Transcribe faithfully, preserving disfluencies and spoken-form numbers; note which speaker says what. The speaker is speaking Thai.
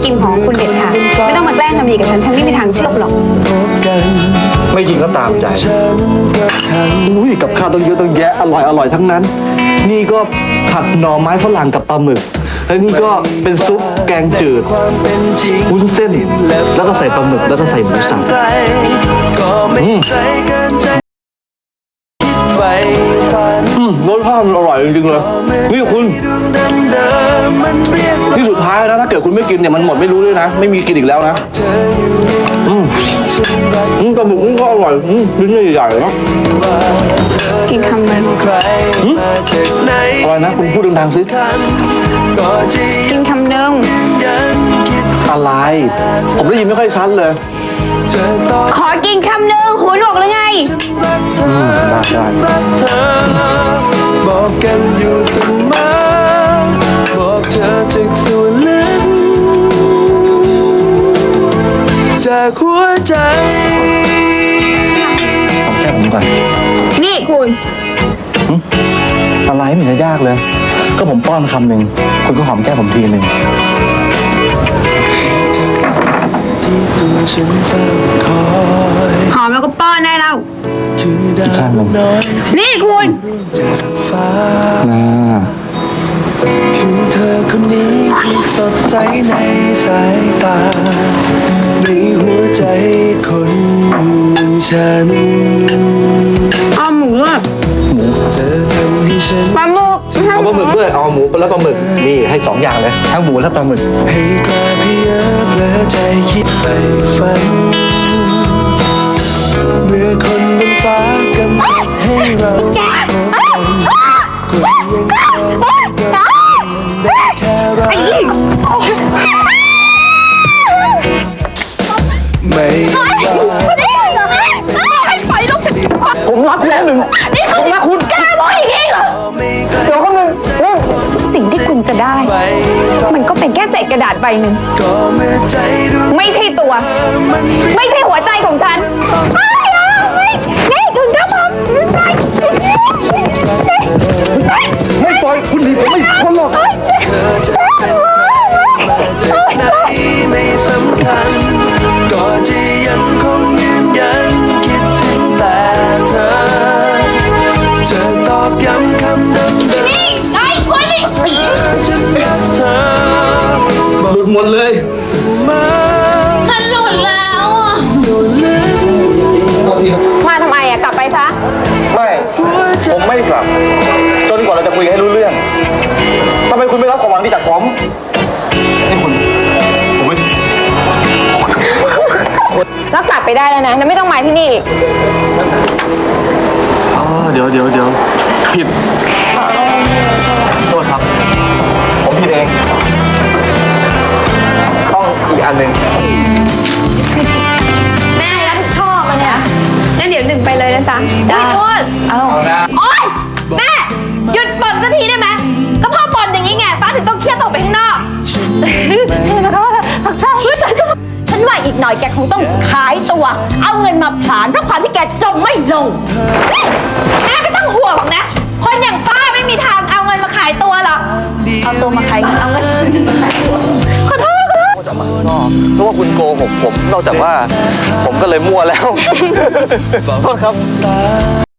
Speaker 1: กินของคุณเด็ดค่ะไม่ต้องมาแกล้งทำดีกับฉันฉันไม่มีทางเชื่อหรอก
Speaker 2: ไม่จริงก็ตามใจอุ้ยกับข้าวต้องเยอะต้องแยะอร่อยอร่อยทั้งนั้นนี่ก็ผัดหน่อไม้ฝรั่งกับปลาหมึกแล้วนี่ก็เป็นซุปแกงจืดวุ้นเส้นแล้วก็ใส่ปลาหมึกแล้วก็ใส่หมูสับอืมอืมรสชาติมันอร่อยจริงๆเลยนี่คุณที่สุดท้ายนะถ้าเกิดคุณไม่กินเนี่ยมันหมดไม่รู้ด้วยนะไม่มีกินอีกแล้วนะอืมอืมปลาหมึกก็อร่อยอืมชิ้นใหญ่ๆนะ
Speaker 1: กินคำนึง
Speaker 2: อะไรนะคุณพูดดังๆสิ
Speaker 1: กินคำนึง
Speaker 2: อะไรผมได้ยินไม่ค่อยชัดเลย
Speaker 1: ขอกินคำนึงหูหนวกหรือไง
Speaker 2: อืมได้ได้
Speaker 3: บอกกันอยู่เสมอบอกเธอจากส่วนลึกจากหัวใจ
Speaker 2: หอมแก้มผมก่อน
Speaker 1: นี่คุณ
Speaker 2: อะไรไม่เห็นจะยากเลยก็ผมป้อนคำหนึ่งคุณก็หอมแก้มผมทีหนึ่ง
Speaker 3: ที่ตัวฉันเฝ้าคอย
Speaker 1: หอมแล้วก็ป้อนได้แล้ว
Speaker 3: คือดาวน้อย
Speaker 1: นี่คุณ
Speaker 3: จากฟ้า
Speaker 2: น่า
Speaker 3: คือเธอคนนี้ที่สดใสในสายตาในหัวใจคนอย่างฉัน
Speaker 1: เอาหมูด้วย
Speaker 2: หมู
Speaker 3: เธอทำให้ฉัน
Speaker 1: ปลาหมึก
Speaker 2: เอาปลาหมึกด้วยเอาหมูแล้วปลาหมึกนี่ให้สองอย่างเลยทั้งหมูและปลาหมึก
Speaker 3: ให้กลายเพียบและใจคิดไปฝันเมื่อคนบนฟ้ากำหนดให้เราพบกันคนยังคงได้แค่รักไม่
Speaker 2: ผมรักคุณหนึ่งผมรักคุณ
Speaker 1: กล้าบอกอย่างนี้เหรอ
Speaker 2: เดี๋ยวคนหนึ่ง
Speaker 1: สิ่งที่คุณจะได้มันก็เป็นแค่เศษกระดาษใบหนึ่งไม่ใช่ตัวไม่ใช่หัวใจของฉันนี่ถึงจะบอก
Speaker 2: ไม่ปล่อยคุณหนีผมไม่พ้นหรอก
Speaker 3: เธอจะเป็นใครมาจากไหนไม่สำคัญก็จะยังคงยืนยันคิดถึงแต่เธอจะตอกย้ำคำเดิมๆ
Speaker 1: นี่ไอ้คนนี่
Speaker 3: ฉันรักเธอ
Speaker 2: หลุดหมดเลย
Speaker 1: มันหลุดแล้วอ่ะมาทำไมอ่ะกลับไปซะ
Speaker 2: ไม่ผมไม่กลับจนกว่าเราจะคุยให้รู้เรื่องทำไมคุณไม่รับของหวังดีจากผมนี่คุณผมไม่
Speaker 1: รักษาไปได้แล้วนะไม่ต้องมาที่นี่
Speaker 2: อ๋อเดี๋ยวเดี๋ยวเดี๋ยวผิดโทษครับผมผิดเองต้องอีกอันหนึ่ง
Speaker 1: แม่รับผิดชอบมาเนี่ยงั้นเดี๋ยวหนึ่งไปเลยนะจ๊ะได้โทษเอาโอ๊ยแม่หยุดบ่นสักทีได้ไหมก็พ่อบ่นอย่างนี้ไงฟ้าถึงต้องเครียดตกไปข้างนอกใช่ฉันว่าอีกหน่อยแกคงต้องขายตัวเอาเงินมาผลาญเพราะความที่แกจมไม่ลงแม่ไม่ต้องห่วงหรอกนะคนอย่างป้าไม่มีทางเอาเงินมาขายตัวหรอกเอาตัวมาขายเงินเอาเงินขอโทษ
Speaker 2: ออกมาข้างนอกเพราะว่าคุณโกหกผมนอกจากว่าผมก็เลยมั่วแล้วโทษครับ